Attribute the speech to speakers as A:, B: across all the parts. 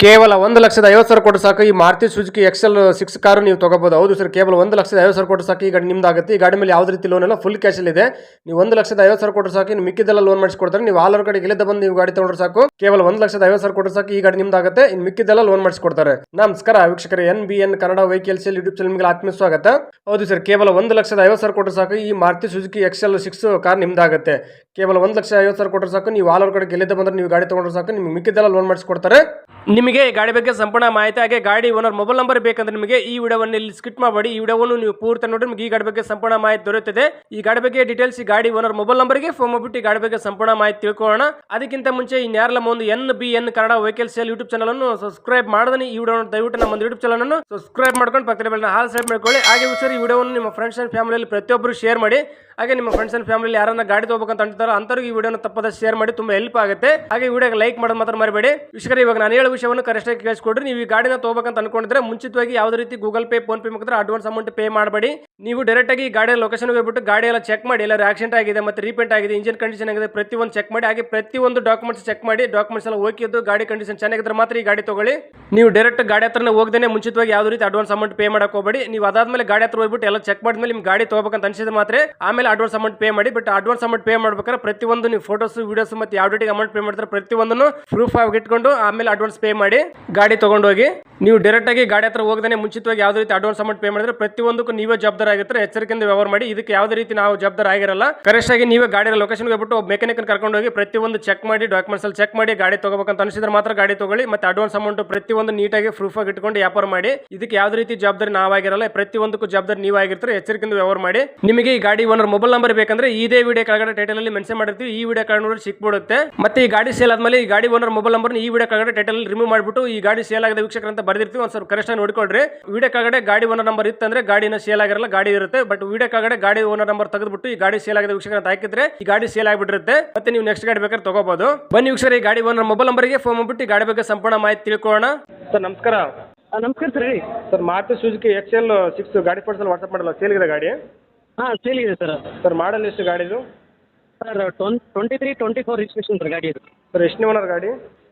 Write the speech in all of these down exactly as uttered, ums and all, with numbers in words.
A: ಕೇವಲ ಒಂದು ಲಕ್ಷದ ಐವತ್ತು ಸಾವಿರ ಕೊಟ್ಟು ಸಾಕು ಈ Maruti Suzuki XL six car ನೀವು ತಗೋಬಹುದು. ಹೌದು ಸರ್, ಕೇವಲ ಒಂದು ಲಕ್ಷದ ಐವತ್ತು ಸಾವಿರ ಕೊಟ್ಟು ಸಾಕು ಈ ಗಾಡಿ ನಿಮ್ದಾಗುತ್ತೆ. ಈ ಗಾಡಿ ಮೇಲೆ ಯಾವುದೇ ರೀತಿ ಲೋನ್ ಎಲ್ಲ ಫುಲ್ ಕ್ಯಾಶ್ ಇದೆ. ನೀವು ಒಂದು ಲಕ್ಷದ ಐವತ್ತು ಸಾವಿರ ಕೊಟ್ಟು ಸಾಕು, ಇನ್ನು ಮಿಕ್ಕಿದೆಲ್ಲ ಲೋನ್ ಮಾಡಿಸ್ಕೊಡ್ತಾರೆ. ನೀವು ಆಲ್ ಓವರ್ ಕಡೆ ಇಲ್ಲದ ಬಂದು ನೀವು ಗಾಡಿ ತಗೊಂಡ್ರೆ ಸಾಕು, ಕೇವಲ ಒಂದು ಲಕ್ಷದ ಐವತ್ತು ಸಾವಿರ ಕೊಟ್ಟು ಸಾಕು ಈ ಗಾಡಿ ನಿಮ್ದಾಗುತ್ತೆ. ಇನ್ನು ಮಿಕ್ಕಿದೆಲ್ಲ ಲೋನ್ ಮಾಡಿಸ್ಕೊಡ್ತಾರೆ. ನಮಸ್ಕಾರ ವೀಕ್ಷಕರೇ, N B N Kannada vehicles YouTube channel ನಿಮಗೆ ಆತ್ಮೀಯ ಸ್ವಾಗತ. ಹೌದು ಸರ್, ಕೇವಲ ಒಂದು ಲಕ್ಷದ ಐವತ್ತು ಸಾವಿರ ಕೊಟ್ಟು ಸಾಕು ಈ Maruti Suzuki XL six car ನಿಮ್ದಾಗುತ್ತೆ. ಕೇವಲ ಒಂದು ಲಕ್ಷ ಐವತ್ತು ಸಾವಿರ ಕೊಟ್ಟರೆ ಸಾಕು, ನೀವು ಆಲ್ ಓವರ್ ಕಡೆ ಎಲ್ಲಿದ್ದ ಬಂದ್ರೆ ನೀವು ಗಾಡಿ ತಗೊಂಡ್ರೆ ಸಾಕು, ನಿಮ್ಗೆ ಮಿಕ್ಕಿದೆಲ್ಲ ಲೋನ್ ಮಾಡಿಸ್ಕೊಡ್ತಾರೆ. ನಿಮಗೆ ಈ ಗಾಡಿ ಬಗ್ಗೆ ಸಂಪೂರ್ಣ ಮಾಹಿತಿ ಹಾಗೆ ಗಾಡಿ ಓನರ್ ಮೊಬೈಲ್ ನಂಬರ್ ಬೇಕಂದ್ರೆ ನಿಮಗೆ ಈ ವಿಡಿಯೋವನ್ನು ಇಲ್ಲಿ ಸ್ಕಿಪ್ ಮಾಡಬೇಡಿ. ಈ ವಿಡಿಯೋವನ್ನು ನೀವು ಪೂರ್ತಿ ನೋಡಿ ನಿಮಗೆ ಈ ಗಾಡಿ ಬಗ್ಗೆ ಸಂಪೂರ್ಣ ಮಾಹಿತಿ ದೊರೆಯುತ್ತದೆ. ಈ ಗಾಡಿ ಬಗ್ಗೆ ಡೀಟೇಲ್ಸ್ ಈ ಗಾಡಿ ಓನರ್ ಮೊಬೈಲ್ ನಂಬರ್ಗೆ ಫೋನ್ ಮಾಡಿಬಿಟ್ಟು ಈ ಗಾಡಿ ಬಗ್ಗೆ ಸಂಪೂರ್ಣ ಮಾಹಿತಿ ತಿಳ್ಕೊಳ್ಳೋಣ. ಅದಕ್ಕಿಂತ ಮುಂಚೆ ಇನ್ಯಾರಲ್ಲ ಒಂದು N B N Kannada vehicle sale YouTube channel ಅನ್ನು ಸಬ್ಸ್ಕ್ರೈಬ್ ಮಾಡದನಿ ಈ ವಿಡಿಯೋ ದಯವಿಟ್ಟು ನಮ್ಮ ಒಂದು ಯೂಟ್ಯೂಬ್ ಚಾನಲ್ ಅನ್ನು ಸಬ್ಸ್ಕ್ರೈಬ್ ಮಾಡ್ಕೊಂಡು ಪಕ್ಕದ ಬೆಲ್ಲ ಹಾಲ್ ಸೈಡ್ ಮಾಡ್ಕೊಳ್ಳಿ. ಹಾಗೆ ವಿಚಾರ ಈ ವಿಡಿಯೋವನ್ನು ನಿಮ್ಮ ಫ್ರೆಂಡ್ಸ್ ಅಂಡ್ ಫ್ಯಾಮಿಲಿಯಲ್ಲಿ ಪ್ರತಿಯೊಬ್ಬರು ಶೇರ್ ಮಾಡಿ. ಹಾಗೆ ನಿಮ್ಮ ಫ್ರೆಂಡ್ಸ್ ಅಂಡ್ ಫ್ಯಾಮಿಲಿ ಯಾರನ್ನ ಗಾಡಿ ತಗೋಬೇಕಂತ ಅಂತಾರೋ ಅಂತವ್ರಿಗೆ ಈ ವಿಡಿಯೋನ ತಪ್ಪದ ಶೇರ್ ಮಾಡಿ, ತುಂಬಾ ಹೆಲ್ಪ್ ಆಗುತ್ತೆ. ಹಾಗೆ ವಿಡಿಯೋಗೆ ಲೈಕ್ ಮಾಡೋದು ಮಾತ್ರ ಮರಿಬೇಡಿ. ವಿಷಯ ಇವಾಗ ನಾನು ಹೇಳೋ ವಿಷಯವನ್ನು ಕರೆಕ್ಟ್ ಆಗಿ ಕೇಳಿಸ್ಕೊಡ್ರಿ. ನೀವು ಈ ಗಾಡಿನ ತಗೋಬೇಕಂತ ಅನ್ಕೊಂಡಿದ್ರೆ ಮುಂಚಿತವಾಗಿ ಯಾವುದೇ ರೀತಿ ಗೂಗಲ್ ಪೇ ಫೋನ್ ಪೇ ಮುಖಾಂತರ ಅಡ್ವಾನ್ಸ್ ಅಮೌಂಟ್ ಪೇ ಮಾಡಬೇಡಿ. ನೀವು ಡೈರೆಕ್ಟ್ ಆಗಿ ಗಾಡಿಯ ಲೊಕೇಶನ್ ಹೋಗ್ಬಿಟ್ಟು ಗಾಡಿ ಎಲ್ಲ ಚೆಕ್ ಮಾಡಿ, ಎಲ್ಲ ಆಕ್ಸಿಡೆಂಟ್ ಆಗಿದೆ ಮತ್ತೆ ರೀಪೇಂಟ್ ಆಗಿದೆ, ಇಂಜಿನ್ ಕಂಡೀಷನ್ ಆಗಿದೆ, ಪ್ರತಿಯೊಂದು ಚೆಕ್ ಮಾಡಿ. ಹಾಗೆ ಪ್ರತಿಯೊಂದು ಡಾಕ್ಯುಮೆಂಟ್ಸ್ ಚೆಕ್ ಮಾಡಿ, ಡಾಕ್ಯುಮೆಂಟ್ಸ್ ಎಲ್ಲ ಓಕೆ ಇದ್ದು ಗಾಡಿ ಕಂಡೀಷನ್ ಚೆನ್ನಾಗಿದ್ರೆ ಮಾತ್ರ ಈ ಗಾಡಿ ತಗೊಳ್ಳಿ. ನೀವು ಡೈರೆಕ್ಟ್ ಗಾಡಿ ಹತ್ರನೇ ಹೋಗದೇನೆ ಮುಂಚಿತವಾಗಿ ಯಾವುದೇ ರೀತಿ ಅಡ್ವಾನ್ಸ್ ಅಮೌಂಟ್ ಪೇ ಮಾಡಕ್ಕೆ ಹೋಗಬೇಡಿ. ನೀವು ಅದಾದ್ಮೇಲೆ ಗಾಡಿ ಹತ್ರ ಹೋಗ್ಬಿಟ್ಟು ಎಲ್ಲ ಚೆಕ್ ಮಾಡಿದ್ಮೇಲೆ ನಿಮ್ಗೆ ಗಾಡಿ ತಗೋಬೇಕಂತ ಅನ್ಸಿದ್ರೆ ಮಾತ್ರ ಆಮೇಲೆ ಅಡ್ವಾನ್ಸ್ ಅಮೌಂಟ್ ಪೇ ಮಾಡಿ. ಬಟ್ ಅಡ್ವಾನ್ಸ್ ಅಮೌಂಟ್ ಪೇ ಮಾಡ್ಬೇಕಾದ್ರೆ ಪ್ರತಿಯೊಂದು ನೀವು ಫೋಟೋಸ್ ವಿಡಿಯೋಸ್ ಮತ್ತೆ ಯಾವ ಡೇಟಿಗೆ ಅಮೌಂಟ್ ಪೇ ಮಾಡ್ತಾರೆ ಪ್ರತಿಯೊಂದನ್ನು ಪ್ರೂಫ್ ಆಗಿ ಇಟ್ಕೊಂಡು ಆಮೇಲೆ ಅಡ್ವಾನ್ಸ್ ಪೇ ಮಾಡಿ ಗಾಡಿ ತಗೊಂಡೋಗಿ. ನೀವು ಡೈರೆಕ್ಟ್ ಆಗಿ ಗಾಡಿ ಹತ್ರ ಹೋಗದೇ ಮುಂಚಿತವಾಗಿ ಯಾವುದೇ ರೀತಿ ಅಡ್ವಾನ್ಸ್ ಅಮೌಂಟ್ ಪೇ ಮಾಡಿದ್ರೆ ಪ್ರತಿಯೊಂದಕ್ಕೂ ನೀವೇ ಜವಾಬ್ದಾರ ಆಗಿರ್ತಾರೆ. ಎಚ್ಚರಿಕೆಯಿಂದ ವ್ಯವಹಾರ ಮಾಡಿ. ಇದಕ್ಕೆ ಯಾವುದೇ ರೀತಿ ನಾವು ಜವಾಬ್ದಾರ ಆಗಿರಲ್ಲ. ಕರೆಕ್ಟ್ ಆಗಿ ನೀವೇ ಗಾಡಿ ಲೊಕೇಶನ್ ಹೋಗ್ಬಿಟ್ಟು ಮೆಕ್ಯಾನಿಕ್ ಕರ್ಕೊಂಡು ಹೋಗಿ ಪ್ರತಿಯೊಂದು ಚೆಕ್ ಮಾಡಿ, ಡಾಕ್ಯುಮೆಂಟ್ಸ್ ಅಲ್ಲಿ ಚೆಕ್ ಮಾಡಿ ಗಾಡಿ ತಗೋಬೇಕಂತ ಅನಿಸಿದ್ರೆ ಮಾತ್ರ ಗಾಡಿ ತಗೊಳ್ಳಿ. ಮತ್ತೆ ಅಡ್ವಾನ್ಸ್ ಅಮೌಂಟ್ ಪ್ರತಿಯೊಂದು ನೀಟಾಗಿ ಪ್ರೂಫ್ ಆಗಿ ಇಟ್ಕೊಂಡು ವ್ಯಾಪಾರ ಮಾಡಿ. ಇದಕ್ಕೆ ಯಾವುದೇ ರೀತಿ ಜವಾಬ್ದಾರಿ ನಾವಾಗಿರಲ್ಲ. ಪ್ರತಿಯೊಂದಕ್ಕೂ ಜವಾಬ್ದಾರಿ ನೀವು ಆಗಿರ್ತಾರೆ. ಎಚ್ಚರಿಕೆಯಿಂದ ವ್ಯವಹಾರ ಮಾಡಿ. ನಿಮಗೆ ಈ ಗಾಡಿ ಓನರ್ ಮೊಬೈಲ್ ನಂಬರ್ ಬೇಕಂದ್ರೆ ಇದೇ ವಿಡಿಯೋ ಕೆಳಗಡೆ ಟೈಟಲ್ ಅಲ್ಲಿ ಮೆನ್ಷನ್ ಮಾಡಿರ್ತೀವಿ. ಈ ವಿಡಿಯೋ ಕೆಳಗಡೆ ನೋಡಿ ಸಿಕ್ಬಿಡುತ್ತೆ. ಮತ್ತೆ ಈ ಗಾಡಿ ಸೇಲ್ ಆದ್ಮೇಲೆ ಈ ಗಾಡಿ ಓನರ್ ಮೊಬೈಲ್ ನಂಬರ್ ಈ ವಿಡಿಯೋ ಕೆಳಗಡೆ ಟೈಟಲ್ ರಿಮೂವ್ ಮಾಡಿಬಿಟ್ಟು ಈ ಗಾಡಿ ಸೇಲ್ ಆಗಿದೆ ವೀಕ್ಷಕರ ಅಂತ ಬರ್ದಿರ್ತೀವಿ. ಒಂದು ಸ್ವಲ್ಪ ಕರೆಕ್ಟ್ ಆಗಿ ನೋಡ್ಕೊಳ್ರಿ. ವಿಡಿಯೋ ಕೆಳಗಡೆ ಗಾಡಿ ಓನರ್ ನಂಬರ್ ಇತ್ತಂದ್ರೆ ಗಾಡಿನ ಸೇಲ್ ಆಗಿರಲ್ಲ, ಗಾಡಿ ಇರುತ್ತೆ. ಬಟ್ ವಿಡಿಯೋ ಕೆಳಗಡೆ ಗಾಡಿ ಓನರ್ ನಂಬರ್ ತೆಗೆದ್ಬಿಟ್ಟು ಈ ಗಾಡಿ ಸೇಲ್ ಆಗಿದೆ ವೀಕ್ಷಕರ ಅಂತ ಹಾಕಿದ್ರೆ ಈ ಗಾಡಿ ಸೇಲ್ ಆಗಿಬಿಟ್ಟಿರುತ್ತೆ. ಮತ್ತೆ ನೀವು ನೆಕ್ಸ್ಟ್ ಗಾಡಿ ಬೇಕಾದ್ರೆ ತಗೋಬಹುದು. ಬನ್ನಿ ವೀಕ್ಷಕರ, ಈ ಗಾಡಿ ಓನರ್ ಮೊಬೈಲ್ ನಂಬರ್ಗೆ ಫೋನ್ ಮಾಡ್ಬಿಟ್ಟು ಈ ಗಾಡಿ ಬಗ್ಗೆ ಸಂಪೂರ್ಣ ಮಾಹಿತಿ ತಿಳ್ಕೊಳ್ಳೋಣ. ಸರ್ ನಮಸ್ಕಾರ.
B: ನಮಸ್ಕಾರ ಸರ್, ಹೇಳಿ
A: sir, Maruti Suzuki XL six ಗಾಡಿ ಫೋಟೋಸ್ ವಾಟ್ಸ್ಆಪ್ ಮಾಡಲ್ಲ, ಸೇಲ್ ಇದೆ ಗಾಡಿ?
B: ಹಾಂ ಸೇಲ್ ಇದೆ ಸರ್.
A: ಸರ್ ಮಾಡಲ್ ಎಷ್ಟು ಗಾಡಿದು?
B: Sir twen twenty three twenty four registration sir ಗಾಡಿ ಇದು.
A: ಸರ್ ಎಷ್ಟು ಓನರ್ ಗಾಡಿ?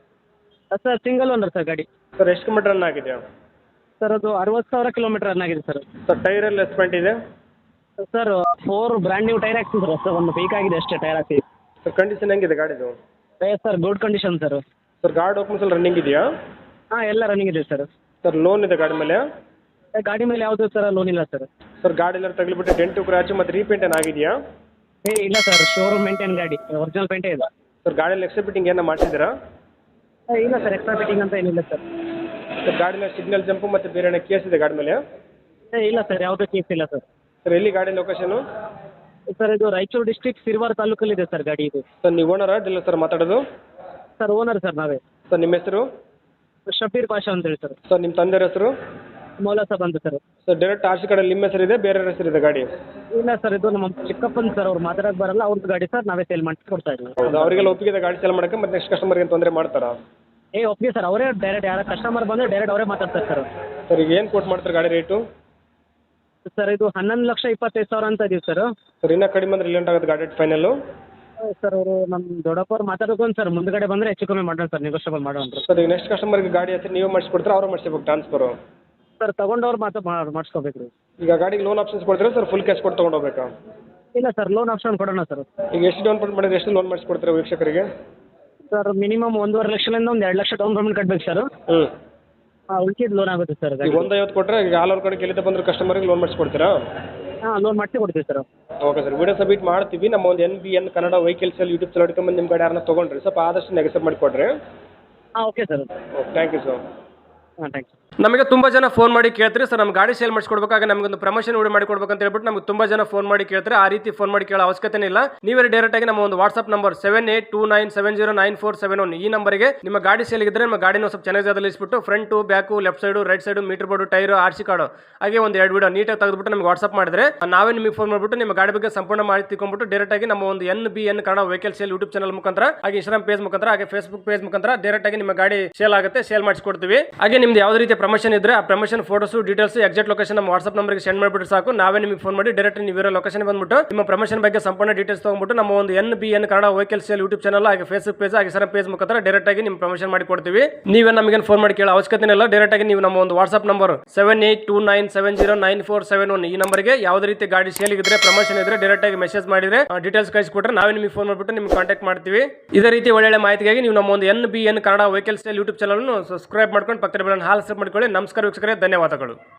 B: ಸರ್ ಸಿಂಗಲ್ ಓನರ್ ಸರ್ ಗಾಡಿ.
A: ಸರ್ ಎಷ್ಟು ಕಿಲೋಮೀಟರ್ ರನ್ ಆಗಿದೆ?
B: ಸರ್ ಅದು ಅರವತ್ತು ಸಾವಿರ ಕಿಲೋಮೀಟರ್ ರನ್ ಆಗಿದೆ ಸರ್.
A: ಸರ್ ಟೈರ್ ಎಲ್ಲ ಎಸ್ಪೆಂಟ್ ಇದೆ?
B: Sir four brand new tyre ಹಾಕ್ತೀನಿ ಸರ್. ಸರ್ ಒಂದು ವೀಕ್ ಆಗಿದೆ ಅಷ್ಟೇ ಟೈರ್ ಹಾಕಿ.
A: ಸರ್ ಕಂಡೀಷನ್ ಹೆಂಗಿದೆ ಗಾಡಿದು?
B: ಏ sir good condition sir.
A: Sir ಗಾಡಿ ಡಾಕ್ಯುಮೆಂಟ್ಸ್ ಎಲ್ಲ ರನ್ನಿಂಗ್ ಇದೆಯಾ?
B: ಹಾಂ ಎಲ್ಲ ರನ್ನಿಂಗ್ ಇದೆ ಸರ್.
A: ಸರ್ ಲೋನ್ ಇದೆ ಗಾಡಿ ಮೇಲೆ?
B: ಗಾಡಿ ಮೇಲೆ ಯಾವುದು ಸರ್ ಲೋನ್ ಇಲ್ಲ ಸರ್.
A: ಸರ್ ಗಾಡಿ ಎಲ್ಲ ತಗಲಿಬಿಟ್ಟು ಡೆಂಟು ಕ್ರಾಚು ಮತ್ತು ರೀಪೇಂಟ್ ಏನು ಆಗಿದೆಯಾ?
B: ಏ ಇಲ್ಲ ಸರ್, ಶೋರೂಮ್ ಮೇಂಟೈನ್ ಗಾಡಿ, ಒರಿಜಿನಲ್ ಪೇಂಟೇ ಇದೆ.
A: ಸರ್ ಗಾಡಿಯಲ್ಲಿ ಎಕ್ಸ್ಟ್ರಾ ಫಿಟ್ಟಿಂಗ್ ಏನೋ ಮಾಡಿಸಿದ್ದೀರಾ?
B: ಇಲ್ಲ ಸರ್, ಎಕ್ಸ್ಟ್ರಾ ಫಿಟ್ಟಿಂಗ್ ಅಂತ ಏನಿಲ್ಲ ಸರ್.
A: ಸರ್ ಗಾಡಿನ ಸಿಗ್ನಲ್ ಜಂಪು ಮತ್ತು ಬೇರೆ ಏನೋ ಕೇಸ್ ಇದೆ ಗಾಡಿ ಮೇಲೆ?
B: ಏ ಇಲ್ಲ ಸರ್, ಯಾವುದೂ ಕೇಸ್ ಇಲ್ಲ ಸರ್.
A: ಸರ್ ಎಲ್ಲಿ ಗಾಡಿ ಲೊಕೇಶನು?
B: ಸರ್ ಇದು ರಾಯಚೂರು ಡಿಸ್ಟ್ರಿಕ್ಟ್ ಸಿರ್ವಾರ್ ತಾಲೂಕಲ್ಲಿದೆ ಸರ್ ಗಾಡಿ ಇದು.
A: ಸರ್ ನೀವು ಓನರಾ ಡೀಲರ್ ಸರ್ ಮಾತಾಡೋದು?
B: ಸರ್ ಓನರ್ ಸರ್ ನಾವೇ.
A: ಸರ್ ನಿಮ್ಮ ಹೆಸರು?
B: ಶಬೀರ್ ಬಾಷಾ ಅಂತೇಳಿ ಸರ್.
A: ಸರ್ ನಿಮ್ಮ ತಂದೆಯ ಹೆಸರು?
B: ಮೌಲಾ ಸಾಬ್ ಅಂತ sir.
A: Sir direct R C ಕಾರ್ಡಲ್ಲಿ ನಿಮ್ಮ ಹೆಸರಿದೆ, ಬೇರೆ ಹೆಸರು ಇದೆ ಗಾಡಿ?
B: ಇಲ್ಲ ಸರ್, ಇದು ನಮ್ಮ ಚಿಕ್ಕಪ್ಪನ ಸರ್, ಅವ್ರು ಮಾತಾಡೋಕೆ ಬರಲ್ಲ, ಅವ್ರದ್ದು ಗಾಡಿ ಸರ್, ನಾವೇ ಸೇಲ್ ಮಾಡಿ ಕೊಡ್ತಾ ಇದ್ದೀವಿ.
A: ಹೌದು, ಅವರಿಗೆಲ್ಲ ಒಪ್ಪಿಗೆ ಗಾಡಿ ಸೇಲ್ ಮಾಡೋಕ್ಕೆ ಮತ್ತೆ ನೆಕ್ಸ್ಟ್ ಕಸ್ಟಮರ್ಗೆ ತೊಂದರೆ ಮಾಡ್ತಾರಾ?
B: ಏ ಓಕೆ ಸರ್, ಅವರೇ ಡೈರೆಕ್ಟ್ ಯಾರ ಕಸ್ಟಮರ್ ಬಂದರೆ ಡೈರೆಕ್ಟ್ ಅವರೇ ಮಾತಾಡ್ತಾರೆ ಸರ್.
A: ಸರ್ ಈಗ ಏನು ಕೊಟ್ಟು ಮಾಡ್ತಾರೆ ಗಾಡಿ ರೇಟು?
B: ಸರ್ ಇದು ಹನ್ನೊಂದು ಲಕ್ಷ ಇಪ್ಪತ್ತೈದು ಸಾವಿರ ಅಂತ ಇದೀವಿ ಸರ್.
A: ಸರ್ ಇನ್ನೂ ಕಡಿಮೆ ಅಂದ್ರೆ ರಿಲೆಂಟ್ ಆಗುತ್ತೆ ಗಾಡಿ ಫೈನಲ್ಲು?
B: ಸರ್ ಅವರು ನಮ್ಮ ದೊಡ್ಡಪ್ಪವ್ರು ಮಾತಾಡ್ಕೊಂಡು ಸರ್, ಮುಂದ್ಗಡೆ ಬಂದರೆ ಹೆಚ್ಚು ಕಮ್ಮಿ ಮಾಡೋಣ ಸರ್, ನೆಗೋಷಿಯಬಲ್ ಮಾಡೋಣ.
A: ಸರ್ ಈಗ ನೆಕ್ಸ್ಟ್ ಕಸ್ಟಮರ್ಗೆ ಗಾಡಿ ಹಚ್ಚಿ ನೀವೇ ಮಾಡಿಸ್ಕೊಡ್ತಾರೆ, ಅವ್ರು ಮಾಡಿಸ್ಬೇಕು ಟ್ರಾನ್ಸ್ಫರು?
B: ಸರ್ ತೊಗೊಂಡವ್ರು ಮಾತ್ರ ಮಾಡಿಸ್ಕೋಬೇಕು ರೀ.
A: ಈಗ ಗಾಡಿಗೆ ಲೋನ್ ಆಪ್ಷನ್ಸ್ ಕೊಡ್ತೀರಾ ಸರ್, ಫುಲ್ ಕ್ಯಾಶ್ ಕೊಟ್ಟು ತೊಗೊಂಡು ಹೋಗ್ಬೇಕಾ?
B: ಇಲ್ಲ ಸರ್, ಲೋನ್ ಆಪ್ಷನ್ ಕೊಡೋಣ ಸರ್.
A: ಈಗ ಎಷ್ಟು ಡೌನ್ ಪೇಮೆಂಟ್ ಮಾಡಿದ್ರೆ ಎಷ್ಟು ಲೋನ್ ಮಾಡಿಸ್ಕೊಡ್ತೀರಾ ವೀಕ್ಷಕರಿಗೆ?
B: ಸರ್ ಮಿನಿಮಮ್ ಒಂದೂವರೆ ಲಕ್ಷದಿಂದ ಒಂದು ಎರಡು ಲಕ್ಷ ಡೌನ್ ಪೇಮೆಂಟ್ ಕಟ್ಬೇಕು ಸರ್.
A: ಹ್ಞೂ
B: ಹಾಂ, ಉಳ್ಕಿದ್ದು ಲೋನ್ ಆಗುತ್ತೆ ಸರ್.
A: ಈಗ ಒಂದು ಐವತ್ತು ಕೊಟ್ಟರೆ ಈಗ ಆಲ್ ಓವರ್ ಕಡೆ ಎಲ್ಲಿಂದ ಬಂದರೂ ಕಸ್ಟಮರ್ಗೆ ಲೋನ್ ಮಾಡಿಸ್ಕೊಡ್ತೀರಾ?
B: ಹಾಂ, ಲೋನ್ ಮಾಡಿಸಿ ಕೊಡ್ತೀವಿ sir.
A: Okay sir, video submit ಮಾಡ್ತೀವಿ. ನಮ್ಮ ಒಂದು N B N Kannada vehicles ಅಲ್ಲಿ ಯೂಟ್ಯೂಬ್ ಚಾನಲ್ ಬಂದು ನಿಮ್ಮ ಗಾಡಿ ಯಾರನ್ನ ತೊಗೊಂಡ್ರಿ ಸ್ವಲ್ಪ ಆದಷ್ಟು ನೆಗೆಸಪ್ ಮಾಡಿಕೊಡ್ರಿ.
B: ಹಾಂ okay sir.
A: Okay, thank you sir.
B: ಹಾಂ ಥ್ಯಾಂಕ್ಸ್.
A: ನಮಗೆ ತುಂಬ ಜನ ಫೋನ್ ಮಾಡಿ ಕೇಳ್ತಾರೆ ಸರ್, ನಮ್ಮ ಗಾಡಿ ಸೇಲ್ ಮಾಡಿಸ್ಕೊಡ್ಬೇಕಾಗ ನಮಗೊಂದು ಪ್ರಮೋಷನ್ ವಿಡಿಯೋ ಮಾಡಿಕೊಡ್ಬೇಕು ಅಂತ ಹೇಳ್ಬಿಟ್ಟು ನಮಗೆ ತುಂಬ ಜನ ಫೋನ್ ಮಾಡಿ ಕೇಳ್ತಾರೆ. ಆ ರೀತಿ ಫೋನ್ ಮಾಡಿ ಕೇಳೋ ಅವಶ್ಯಕತೆ ಇಲ್ಲ. ನೀವೇ ಡೈರೆಕ್ಟ್ ಆಗಿ ನಮ್ಮ ಒಂದು WhatsApp number seven eight two nine seven zero nine four seven one ಈ ನಂಬರ್ಗೆ ನಿಮ್ಮ ಗಾಡಿ ಸೇಲ್ ಇದ್ದರೆ ನಮ್ಮ ಗಾಡಿನ ಸ್ವಲ್ಪ ಚೆನ್ನಾಗಿ ಜಾಗದಲ್ಲಿ ಇಸ್ಬಿಟ್ಟು front back left side right side meter board tyre R C card ಹಾಗೆ ಒಂದು ಎರಡು ವಿಡಿಯೋ ನೀಟಾಗಿ ತೆಗೆದುಬಿಟ್ಟು ನಮಗೆ ವಾಟ್ಸ್ಆಪ್ ಮಾಡಿದ್ರೆ ನಾವೇ ನಿಮಗೆ ಫೋನ್ ಮಾಡಿಬಿಟ್ಟು ನಿಮ್ಮ ಗಾಡಿ ಬಗ್ಗೆ ಸಂಪೂರ್ಣ ಮಾಹಿತಿ ತಿಳ್ಕೊಂಡ್ಬಿಟ್ಟು ಡೈರೆಕ್ಟ್ ಆಗಿ ನಮ್ಮ ಒಂದು N B N Kannada vehicle sale YouTube channel ಮುಖಾಂತರ ಹಾಗೆ ಇನ್ಸ್ಟಾಗ್ರಾಮ್ ಪೇಜ್ ಮುಖಾಂತರ ಹಾಗೆ ಫೇಸ್ಬುಕ್ ಪೇಜ್ ಮುಖಾಂತರ ಡೈರೆಕ್ಟ್ ಆಗಿ ನಿಮ್ಮ ಗಾಡಿ ಸೇಲ್ ಆಗುತ್ತೆ, ಸೇಲ್ ಮಾಡಿಸ್ಕೊಡ್ತೀವಿ. ಹಾಗೆ ನಿಮ್ದು ಯಾವುದೇ ರೀತಿಯ ಪ್ರಮೋಷನ್ ಇದ್ರೆ ಆ promotion photos details exact location ನಮ್ಮ ವಾಟ್ಸ್ಆಪ್ ನಂಬರ್ಗೆ ಸೆಂಡ್ ಮಾಡಿಬಿಟ್ಟು ಸಾಕು. ನಾವೇ ನಿಮಗೆ ಫೋನ್ ಮಾಡಿ ಡೈರೆಕ್ಟ್ ನೀವು ಇರೋ ಲೊಕೇಶನ್ ಬಂದ್ಬಿಟ್ಟು ನಿಮ್ಮ ಪ್ರಮೋಷನ್ ಬಗ್ಗೆ ಸಂಪೂರ್ಣ ಡೀಟೇಲ್ಸ್ ತಗೊಂಡ್ಬಿಟ್ಟು ನಮ್ಮ ಒಂದು N B N Kannada vehicle sale YouTube channel ಹಾಗೆ ಫೇಸ್ಬುಕ್ ಪೇಜ್ ಹಾಗೆ ಸರ್ ಪೇಜ್ ಮುಖಾಂತರ ಡೈರೆಕ್ಟ್ ಆಗಿ ನಿಮ್ಮ ಪ್ರಮೋಷನ್ ಮಾಡಿ ಕೊಡ್ತೀವಿ. ನೀವೇ ನಮಗೆ ಫೋನ್ ಮಾಡಿ ಕೇಳೋ ಅವಶ್ಯಕತೆ ಇಲ್ಲ. ಡೈರೆಕ್ಟ್ ಆಗಿ ನೀವು ನಮ್ಮ ಒಂದು WhatsApp number seven eight two nine seven zero nine four seven one ಈ ನಂಬರ್ಗೆ ಯಾವುದೇ ರೀತಿ ಗಾಡಿ ಸೇಲ್ ಇದ್ರೆ ಪ್ರಮೋಷನ್ ಇದ್ರೆ ಡೈರೆಕ್ಟ್ ಆಗಿ ಮೆಸೇಜ್ ಮಾಡಿದ್ರೆ ಡೀಟೇಲ್ಸ್ ಕಳಿಸ್ಕೊಟ್ರೆ ನಾವೇ ನಿಮಗೆ ಫೋನ್ ಮಾಡಿಬಿಟ್ಟು ನಿಮ್ಗೆ ಕಾಂಟ್ಯಾಕ್ಟ್ ಮಾಡ್ತೀವಿ. ಇದೇ ರೀತಿ ಒಳ್ಳೆ ಮಾಹಿತಿಗಾಗಿ ನೀವು ನಮ್ಮ ಒಂದು N B N Kannada vehicle sale YouTube channel subscribe ಮಾಡ್ಕೊಂಡು ಪಕ್ಕದ ಬೆಲ್ಲ ಹಾಲ್ ಸಬ್ ಮಾಡ್ಕೊಳ್ಳಿ. ನಮಸ್ಕಾರ ವೀಕ್ಷಕರೇ, ಧನ್ಯವಾದಗಳು.